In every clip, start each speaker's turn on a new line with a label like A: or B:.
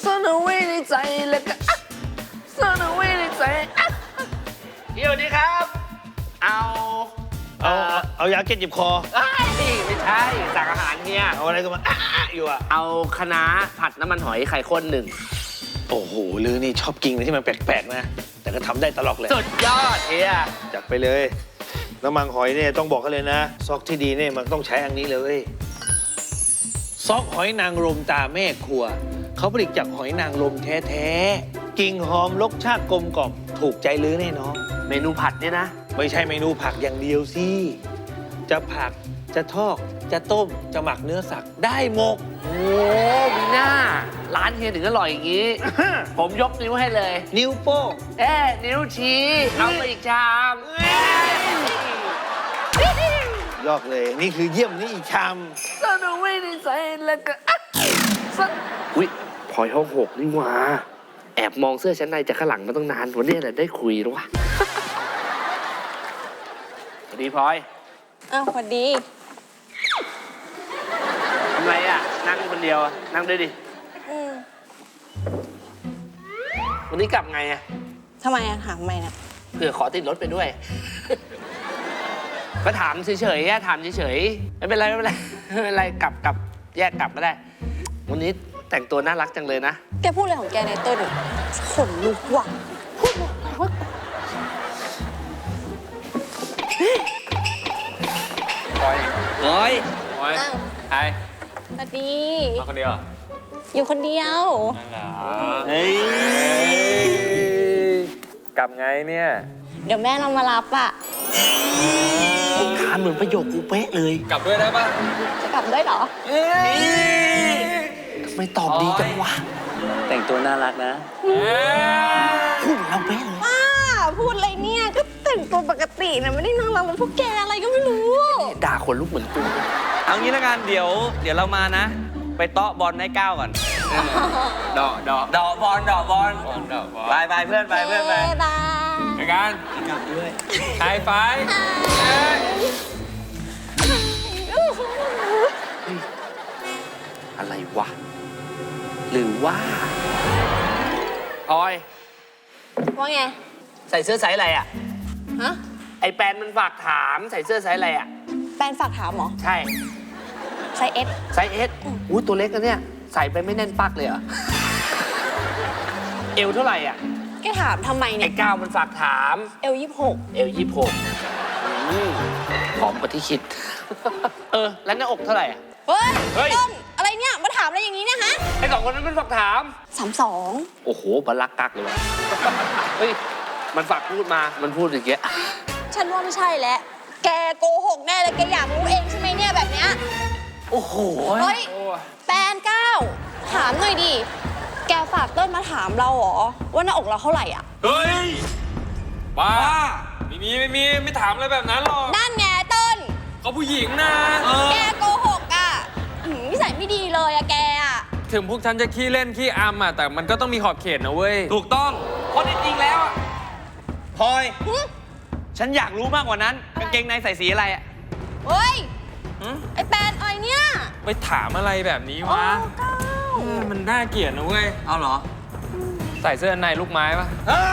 A: ซ่อนเอาไว้ในใจแล้วก็ซ่อนเอาไว้ในใจเดี๋ยวนี้ครับ
B: เอายาเก็บเจ็บคอ
A: ไม่ใช่สั่งอาหารเนี่ย
B: เอาอะไรก็มาอยู่อ่ะ
A: เอาคะน้าผัดน้ำมันหอยไข่ข้นหนึ่ง
B: โอ้โหลือนี่ชอบกินอะไรที่มันแปลกๆนะแต่ก็ทำได้ตลอดเลย
A: สุดยอดเฮีย
B: จัดไปเลยน้ำมันหอยเนี่ยต้องบอกเขาเลยนะซอกที่ดีเนี่ยมันต้องใช้อันนี้เลยซอกหอยนางรมตาแม่ครัวเขาผลิตจากหอยนางรมแท้ๆกลิ่นหอมรสชาติกลมกล่อมถูกใจลือแน่นอน
A: เมนูผัดเนี่ยนะ
B: ไม่ใช่เมนูผักอย่างเดียวสิจะผักจะทอดจะต้มจะหมักเนื้อสัตว์ได้หมด
A: โอ้มีหน้าร้านเฮียถึงอร่อยอย่างนี้ ผมยกนิ้วให้เลย
B: นิ้วโป้ง
A: นิ้วชี้เอาไปอีกชาม
B: ยอกเลยนี่คือเยี่ยมนี่อีกชาม
A: ซ่อนเอาไว้ในใจแล้วก็อุ๊ยพลอยห้อง6นี่หว่าแอบมองเสื้อชั้นในจากข้างหลังมาตั้งนานวันนี้แหละได้คุยแล้ววะสวัสดีพลอย
C: อ้าวสวัสดี
A: ทำไรอ่ะนั่งคนเดียวอะนั่งด้วยดิ
C: อืม
A: วันนี้กลับไงอ่ะ
C: ทำไมอะถามทำไมเนี่ย
A: เผื่อขอติดรถไปด้วย ก็ถามเฉยๆอะถามเฉยๆไม่เป็นไรไม่เป็นไรไม่เป็นไรกลับแยกกลับก็ได้ วันนี้แต่งตัวน่ารักจังเลยนะ
C: แกพูดอะไรของแกในต้นขนลุกว่ะพูดอะไรวะ
D: เฮ้ย
C: อ้าว
D: ใคร
C: สวัสดี
D: มาคนเดียว
C: อยู่คนเดียว
D: เฮ้ยกลับไงเนี่ย
C: เดี๋ยวแม่เรามารับอะ
A: ถามเหมือนประโยคกูเป๊ะเลย
D: กลับด้วยได้ปะ
C: จะกลับด้วยเหรอ
A: ทำไมตอบดีจังวะ
D: แต่งตัวน่ารักนะ
A: พูดเหมือนเราเป๊ะเลย
C: ป้าพูดอะไรเนี่ย ก็แต่งตัวปกตินะไม่ได้นั่งรังเป็นพวกแกอะไรก็ไม่รู้
A: ด่าคนลุกเหมือนกู
D: เอางี้ละกันเดี๋ยวเรามานะ ไปเตาะบอลให้ก้าวก่อนดอกบอลไปเพื่อนไปเพื่อนไป
C: บาย
D: ไปกันกลับด้วยไฮไฟ
A: อะไรวะ หรือว่าพลอย
C: ว่าไง
A: ใส่เสื้อไซส์อะไรอ่ะ
C: ฮะ
A: ไอแปนมันฝากถามใส่เสื้อไซส์อะไรอ่ะ
C: แฟนฝากถามเหรอ
A: ใช่
C: ไซส์เอส
A: ไซส์เอสอู้ตัวเล็กนะเนี่ย ใส่ไปไม่แน่นปักเลยเหรอ เอวเท่าไหร่อ่ะ
C: แกถามทำไม
A: ไอ
C: เนี่ย
A: ก้าวมันฝากถาม
C: เอล26
A: เอว26ผอมกว่าที่คิด แล้วหน้าอกเท่าไหร่อ่ะ
C: เฮ้ย
A: เฮ้ย
C: ต้นอะไรเนี่ย มาถามอะไรอย่างนี้เนี่ยฮะ
A: ไอสองคนนั้นมันฝากถาม
C: 32
A: โอ้โหบัลลักกักเลยวะ เฮ้ย มันฝากพูดมา มันพูดอย่างเงี้ย
C: ฉันว่าไม่ใช่แล้ว แกโกหกแน่เลย แกอยากรู้เองใช่ไหมเนี่ยแบบเนี้ย
A: โอ้โห
C: เฮ้ย แปนเก้า ถามหน่อยดิ แกฝากเต้นมาถามเราเหรอ ว่าหน้าอกเราเท่าไหร่อ่ะ
D: เฮ้ยบ้าไม่ถามอะไรแบบนั้นหรอก
C: นั่นไงเต้น
D: เขาผู้หญิงนะ
C: แกโกหกอ่ะนิสัยไม่ดีเลยอะแกอะ
D: ถึงพวกฉันจะขี้เล่นขี้อำอ่ะแต่มันก็ต้องมีขอบเขตนะเว้ยถูกต้องเพราะจริงๆแล้วอ่ะพลอย
C: หึ
D: ฉันอยากรู้มากกว่านั้นกางเกงในใส่สีอะไรอ่ะ
C: เฮ้ย ไอแปนอะไรเนี่ย
D: ไปถามอะไรแบบนี้
C: โอ้
D: วะ
C: เก้า
D: มันน่าเกลียดนะเว้ย เอาเหรอ ใส่เสื้อในลูกไม้ปะ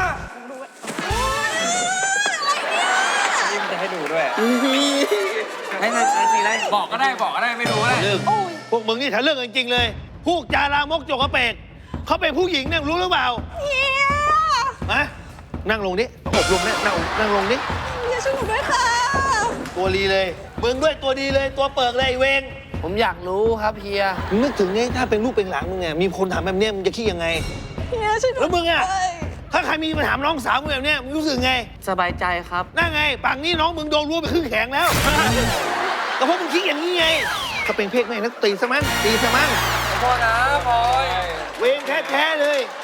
D: ยิ้มจะให้ดูด้วยให้ใส่สีอะไรบอกก็ได้ไม่รู้ก็ได้
B: เรื่อง
C: โอ้ย
B: พวกมึงนี่ทะเรื่องจริงๆเลยพูกจาลามกจกกระเปกเขาเป็นผู้หญิงเนี่ยรู้หรือเปล่า
C: เฮีย
B: ฮะนั่งลงดิอบรมเนี่ยนั่งลงดิ
C: เฮียช่วยหนูด้วยค่ะ
B: ตัวดีเลยมึงด้วยตัวดีเลยตัวเปิกเลยไอ้เวง
A: ผมอยากรู้ครับเฮีย
B: มึงนึกถึงเนี่ยถ้าเป็นลูกเป็นหลานมึงเนี่ยมีคนถามแบบเนี้ยมึงจะคิดยังไง
C: เฮียช่วยหนู
B: แล้วมึงอะ
C: ด้วย
B: ถ้าใครมีมาถามน้องสาวมึงแบบเนี้ยมึงรู้สึกไง
A: สบายใจครับ
B: นั่นไงป่านนี้น้องมึงโดนรั้วไปครึ่งแขนแล้ว ก็เพราะมึงคิดอย่างนี้ไงถ้าเป็นเพศแม่นักตีซะมั้ง
D: ขอโทษนะพลอย
B: เวงแท้ๆเลย